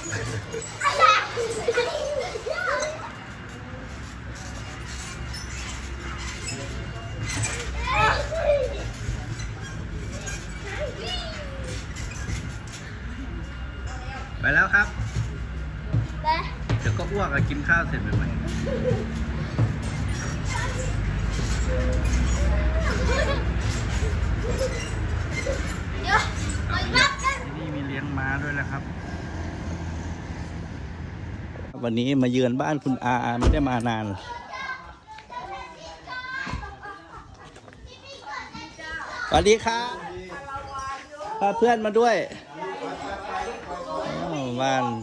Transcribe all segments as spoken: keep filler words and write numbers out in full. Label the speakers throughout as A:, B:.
A: ไปแล้วครับ
B: ไป
A: เดี๋ยวก็อ้วกอะกินข้าวเสร็จใหม่
B: เดี๋ยวไปวัดกัน
A: ๆที่นี่มีเลี้ยงม้าด้วยนะครับ วันนี้มาเยือนบ้านคุณอาไม่ได้มานาน สวัสดีครับพาเพื่อนมาด้วยอ้าวบ้าน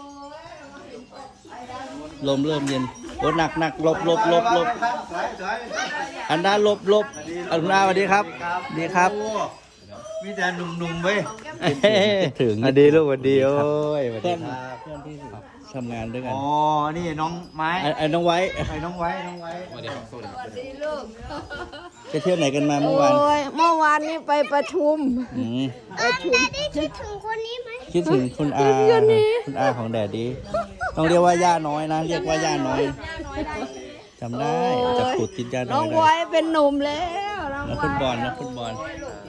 A: ลมเริ่มเย็นโอ้หนักหนักหลบหลบหลบหลบอันด้าหลบหลบอันด้าสวัสดีครับดีครับ
C: มีแต่หนุ่มๆเว้ย
A: ถึง
C: สวัสดีลูกสวัสดีโอ้ยสวัส
A: เพื่
C: ดี
A: อน
C: ครับ
A: เพื่อนที่ทำงานด้วยกัน
C: อ๋อ นี่น้องไม้
A: ไอ้ไอ้น้องไว้
C: ไอ้น้องไว้ น้องไว้
D: สวัสดีครับสวัสดีครับ
A: ไปเที่ยวไหนกันมาเมื่อวาน
E: โอ้ยเมื่อวานนี้ไปประชุม
A: อืม
B: เออแดดดี้คิดถึงคนนี้ไหม
A: คิดถึงคุณอาคุณอาของแดดดีต้องเรียกว่าย่าน้อยนะ เรียกว่าย่าน้อยจำได้จะขุดติดย่าน้
E: น้
A: อ
E: อย ง
A: ได้
E: ไว้เป็นหนุ่มแล้วน้อง
A: นัก
E: ไว้
A: ฟุตบอลนักฟุตบอล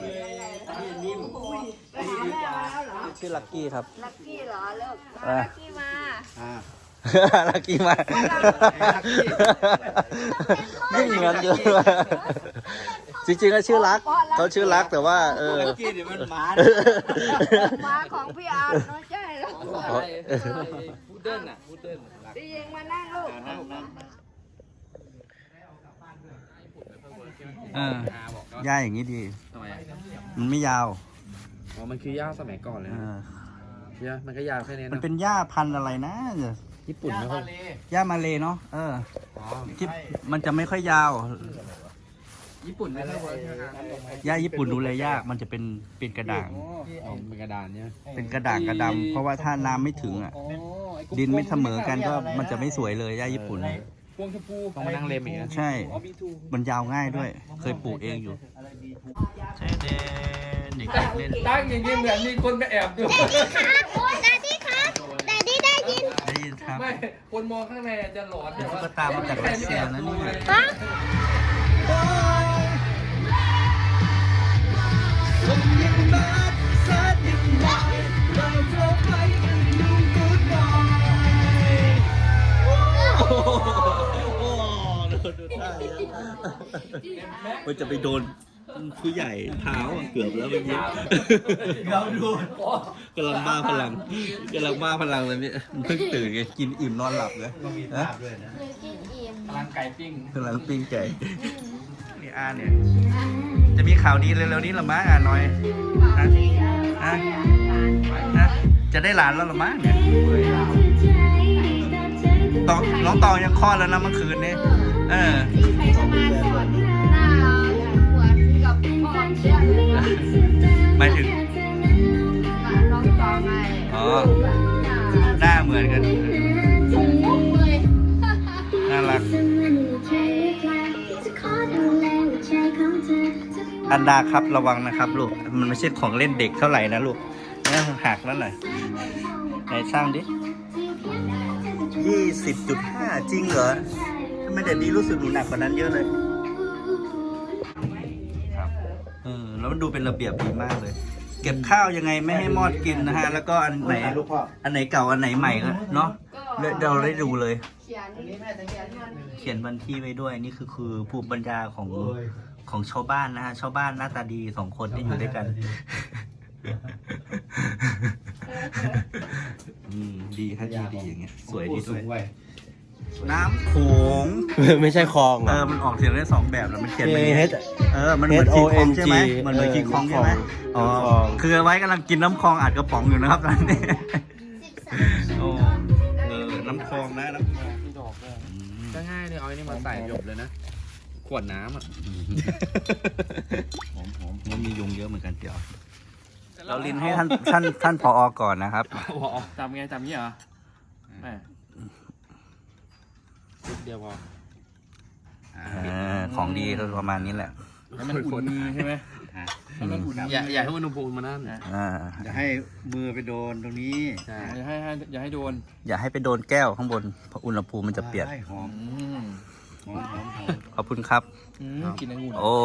A: ชื่อลักกี้ครับ
E: ลักกี้เหรอลูก
A: อ่ะ
E: ลักกี้มา
A: ลักกี้มาไม่เหมือนเยอะจริงๆก็ชื่อรักเขาชื่อรักแต่ว่า เออ
C: กี้เดี๋ยวมันหมา
E: มาของพี่อาร์ตน้อยใช่หรอ
D: พูดเดินอ่ะพูดเดินหลัก
E: พี่เองมานั่งลูก
A: เออ
D: อาบอกก็
A: ย่าอย่างนี้ดี
D: ทำไมอ่ะ
A: มันไม่ยาว
D: อ๋อมันคือย่าสมัยก่อนเลย
A: เอ
D: นะ
A: อ
D: ย่ามันก็ยาวแค่นี้
A: มัน
D: นะ
A: เป็นหญ้าพันธุ์อะไรนะ
D: ญี่ปุ่นไม่ค่อย
A: หญ้ามาเลยเนาะเออ
D: อ๋อ
A: ที่มันจะไม่ค่อยยาว
D: ญี่ปุ่นไม่ค่อยเวิร์กใช่ไหม
A: หญ้าญี่ปุ่นดูแลยากมันจะเป็นเป็นกระด่าง
D: อ๋อเป็นกระดานเนี่ย
A: เป็นกระด่างกระดำเพราะว่าถ้าน้ำไม่ถึงอ่ะ ดินไม่เสมอกันก็มันจะไม่สวยเลยหญ้าญี่ปุ่น
D: พวงชมพูต้องมานั่งเล็มอีกนะ
A: ใช่ มันยาวง่ายด้วย เคยปลูกเองอยู่ใช่เด่นเด็กเล่น
D: ตั้งอย่างนี้เหมือนมีคนไปแอบดู
B: แดดดี้ครับแดดดี้ได้ยิน
A: ได้ยินครับ
D: ไม่คนมองข้างในจะหลอน
A: เป็นตุ๊กตามาจากรัสเซียนะนี่
B: ฮะ
A: มันจะไปโดนผู้ใหญ่เท้าอะเกือบแล้วเมื่อกี้
C: เราดู
A: กำลังบ้าพลังกำลังบ้าพลังเลยเนี่ยมันเพิ่งตื่นไงกินอิ่มนอนหลับเลย
C: ต้องมีภาพด้วยนะ
D: พลังไก่ปิ้ง
A: กำลังปิ้งไก่นี่อาเนี่ย จะมีข่าวดีเร็วๆนี้หรอมะอาน้อยฮะฮะฮะจะได้หลานแล้วหรอมะเนี่ยตองน้องตองยังคลอดแล้วนะเมื่อคืนนี้เออ
E: ใครจะมาก่อนหน้าหวานกับพ่อเชื่อเลย
A: หมายถึง
E: น้องตองไง
A: อ๋อ หน้าเหมือนกัน น่ารัก อันดาครับระวังนะครับลูก มันไม่ใช่ของเล่นเด็กเท่าไหร่นะลูกนี่หักแล้วหน่อยไหนช่างดิยี่สิบจุดห้าจริงเหรอทำไมเด็กดีรู้สึกหนูหนักกว่านั้นเยอะเลย ครับเออแล้วมันดูเป็นระเบียบดีมากเลย เก็บข้าวยังไงไม่ให้มอดกินนะฮะ แล้วก็อันไหน
C: ลูกพ่อ
A: อันไหนเก่าอันไหนใหม่ก็เนาะเราได้ดูเลย
E: เขียนเขียนมัน
A: เขียนวันที่ไว้ด้วยนี่คือคือภูมิปัญญาของ
C: โอ้ย
A: ของชาวบ้านนะฮะชาวบ้านหน้าตาดีสองคนที่อยู่ด้วยกัน อืมดีครับดีดีอย่างเงี้ยสวยดีด้วย
C: เว้ย
A: น้ำโขง
C: ไม่ใช่คลอง
A: เออมันออกเสียงได้สองแบบแล้วมันเขียน
C: K
A: เป็น
C: H
A: เออมันเหมือนคิงคองใช่ไหม
C: H O N G
A: มันเหมือนคิงคองใช่ไหม
C: เออ
A: อ๋อ
C: น้ำคลอง
A: คือไว้กำลังกินน้ำคลองอัดกระป๋องอยู่นะครับตอนนี้โอ้เออน้ำคลองนะน้ำคลอง
D: มีดอกด้วย
A: อืม
D: ก็ง่ายเลยเอาไอ้นี่มาใส่หยบเลยนะ ขวดน้ำอ่ะ
A: หอมหอมมันมียุงเยอะเหมือนกันเดี๋ยวเราลินให้ท่านท่านท่านผอก่อนนะครับ
D: จำไงจำงี้เหรอแม่นิดเดียวพอ
A: อ่าของดีก็ประมาณนี้แหละ
D: ให้มันอุ่นมือใช่ไหม
C: ฮะ
D: ให้มันอุ่นอย่าอย่าให้อุณหภูมิมันนั่น
A: อ่า
C: อย่าให้มือไปโดนตรงนี้
D: ใช่อย่าให้ให้อย่าให้โดน
A: อย่าให้ไปโดนแก้วข้างบนเพราะอุณหภูมิมันจะเปลี่ยน
C: ใช่หอม
D: อืม
C: หอมหอมหอม
A: ขอบคุณครับ
D: อืมกินองุ่น
A: โอ้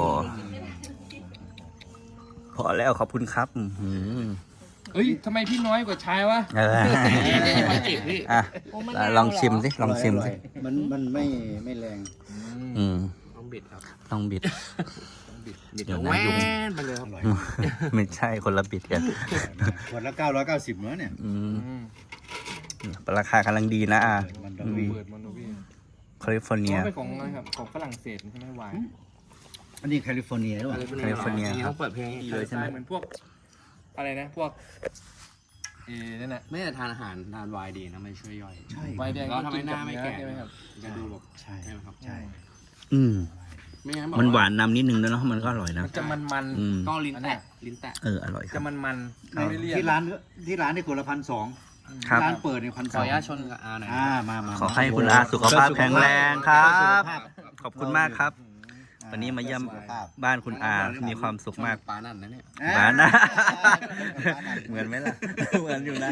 A: พอแล้วขอบคุณครับอื้อหือ
D: เอ้ยทำไมพี่น้อยกว่าชายวะ
A: เออ
D: ไม่เจ็บพี่
A: อ่ะลองชิมสิลองชิมสิ
C: มันมันไม่ไม่แรง
A: อืม
D: ต้องบิดครับ
A: ต้องบิด
D: ต้องบิดบิด
A: เดี๋ยว
D: แห
A: นะ
D: ว
A: ยุง
D: นไปเลยครับ
C: อร่อย
A: ไม่ใช่คนละบิดกัน
C: ขวดละเก้าร้อยเก้าสิบเนื้อเนี่ย
A: อืม
D: อืม
A: ราคากำลังดีนะอ่ะ
C: มันด
D: ดู
C: องวี
D: เปิดมันดูพี่
A: แคลิฟอร์เนีย
D: เป็นของอะไรครับของฝรั่งเศสใช่ไหมวาย
C: อันนี้แคลิฟอร์เนียหรือเปล่า
A: แคลิฟอร์เนียครับ
D: ต้องเปิดเพลงดีเลยใช่ไหมเหมือนพวกอะไรนะพวกเอนั่นแหละ
F: ไม่แต่ทานอาหารทานไวน์ดีนะมันช่วยย่อย
C: ใช่
D: ไวน์แดง
F: แล้วทำให้หน้าไม่แก่
D: ใช่ไหมครับ
F: จะดูแบบ
C: ใช่
F: ใช่ไหมครับ
C: ใช่
A: อืม
F: ไม่งั้น
A: มันหวานนำนิดนึงแล้วเนาะมันก็อร่อยนะ
D: มันจะมันมัน
A: อืม
F: ก็ลิ้นแตะลิ้นแตะ
A: เอออร่อยค
D: จะ
A: รับ
D: มันมัน
A: ครับ
D: ไม่เลี่ยน
C: ที่ร้านที่ร้านนี่ขวดละพันสอง
A: ครับ
C: ร้านเปิดในพัน
F: ข
C: ส
F: อ
C: อ
F: อง นุญาตชนกับอาหน่อย
C: อ่ามามา
A: ขอให้คุณอาสุขภาพแข็งแรงครับ ขอบคุณมากครับ วันนี้มาเยี่ยมบ้านคุณอา มีความสุขมาก
F: ปลานั่นนะเนี่ย
A: หวานนะ เหมือนไหมล่ะ เหมือนอยู่นะ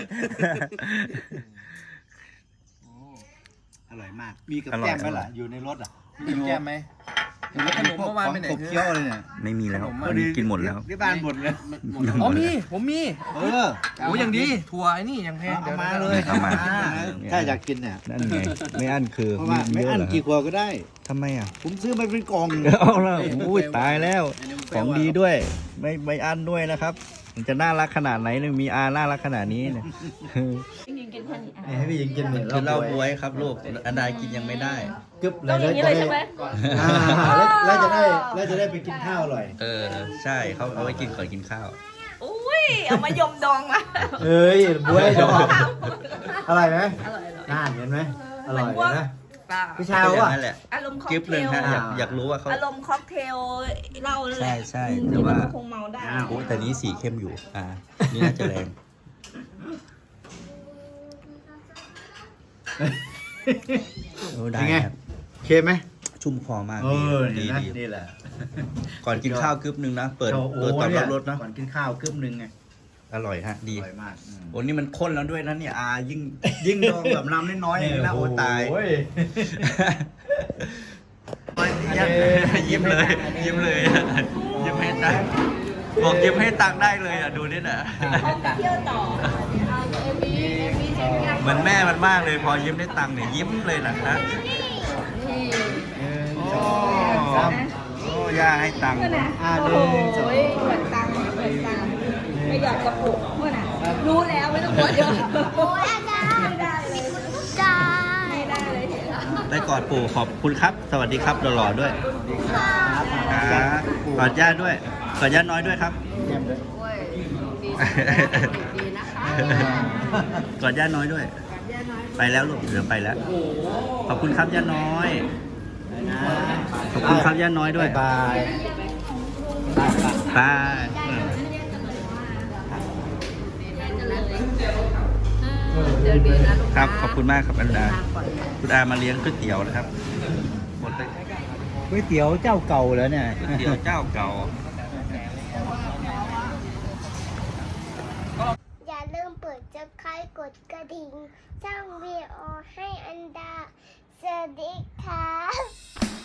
C: อร่อยมาก มีกับ
A: อร่อย
C: แก้มไหม
A: อร่อ
C: ล่ะ
A: ย
C: อยู่ในรถอ่ะ
D: มีแก้มไหม ขนมเมื่อวานไปไหน
C: ขบเคี้ยวเลยเนี่ย
A: ไม่มีแล้ว
D: ขนมอะ
A: วันนี้กินหมดแล้ว
C: ที่บ้านหมดเลย
F: หมดแล้ว
D: อ๋อมีผมมี
C: เออ
D: โอ้ยังดีถั่วไอ้นี่ยังแพง
C: เอา
D: ดี๋ยว
C: มา
D: นะ
C: เลย
A: เอามา
C: ถ้าอยากกินเนี่ย
A: นั่นไง ไม่อั้นคือ
C: เพราะว่าไม่อั้นกี่ขวดก็ได้
A: ทำไมอ่ะ
C: ผมซื้อมาเป็นกล่อง
A: เอาละอุ้ยตายแล้ว ของดีด้วย ไม่ไม่อั้นด้วยนะครับ มันจะน่ารักขนาดไหนเลยมีอาน่ารักขนาดนี้เนี่ย
C: ให้พี่ยิงกินเหมือน
A: คือเหล้าบวยครับลูกอันใดกินยังไม่ได้
C: กึ๊บแล้วจะได้อ่าแล้วจะได้แล้วจะได้ไปกินข้าวอร่อย
A: เออ ใช่เขาเอาไว้กินก่อนกินข้าว
E: อุ้ย เอามายมดองมา
C: เอ้ยบวยดอกอร่อยไหม
E: อร่อยอร่อย
C: น่าเห็นไหมอร่อยนะ
E: เปล่า
C: พี่ชา
A: ก็
C: ว
A: อย่าง
C: อ่ะ
A: นั้นแหละ
E: อารมณ์ค็อก
A: กิฟ
E: เท
A: เลย
E: ล
A: ฮะอยากอยากรู้ว่าเขา
E: อารมณ์ค็อกเทลเหล้านั่นแหละ
A: ใช่ใช่
E: อืม
A: แต่ว่า
E: นี่มันคงเมาได้
A: โอ้แต่นี้สีเข้มอยู่ อ่า นี่น่าจะแรง โอ้ได้
C: เป็นไง
A: ครับ
C: โอเคไหม
A: ชุ่มคอมาก
C: เอ
A: ดี
C: อ
A: ดี
C: นี่นะ
A: ดี
C: นี่แหละ
A: ก่อนกินข้าวกึ๊บนึงนะ เปิด
C: โอ้
A: เปิดตอน
C: เนี่
A: รั
C: ย
A: บรถเนาะ
C: ก่อนกินข้าวกึ๊บนึงไง
A: อร่อยฮะ ดี
C: อร่อยมากอืม
A: โอ้นี่มันข้นแล้วด้วยนะเนี่ยอายิ่งยิ่งดองแบบน้ำน้อยๆอย่างนี้นะโอ้ตาย
C: โอ้ย
A: ยิ้มเลย ยิ้มเลยยิ้มให้ตังค์บอกยิ้มให้ตังค์ได้เลยอ่ะดูนี่นะ
E: เที่ยวต่อเอาเอวีเอวีใช่ไหม
A: เหมือนแม่มันมากเลยพอยิ้มได้ตังค์เนี่ยยิ้มเลยนะฮะ
E: นี่
A: โอ้โอ้ย่าให้ตังค์
E: เมื่อน่ะ
C: อ่า
E: โอ้
C: ห
E: โห
C: นึ่งสอง
E: เหมือนตังค์เหมือนตังค์ไม่อยากกระปุกเมื่อน่ะรู้แล้วไม่ต้องกดเยอะโอ้ยได้ไม่ได้เลยได้ไม่ได้เลยเห็นแล้ว
A: ได้กอดปู่ขอบคุณครับ สวัสดีครับหล่อๆด้วยครับกอดย่าด้วยกอดย่าน้อยด้วยครับ
C: แก้มด้วย
E: โอ้ยดีดีนะคะ
A: กอดย่าน้อยด้วย ไปแล้วลูกเดี๋ยวไปแล้ว ขอบคุณครับย่าน้อย ขอบคุณครับย่าน้อยด้วย
C: บาย
A: บาย
E: เดี๋ยวดีนะลูก
A: ครับ ขอบคุณมากครับอันดาคุณอามาเลี้ยงก๋วยเตี๋ยวนะครับหมดเลย
C: ก๋วยเตี๋ยวเจ้าเก่าแล้วเนี่ย
A: ก๋วยเตี๋ยวเจ้าเก่า
B: อย่าลืมเปิดจะคายกดกระดิ่งสร้างวีดีโอให้อันดา สวัสดีค่ะ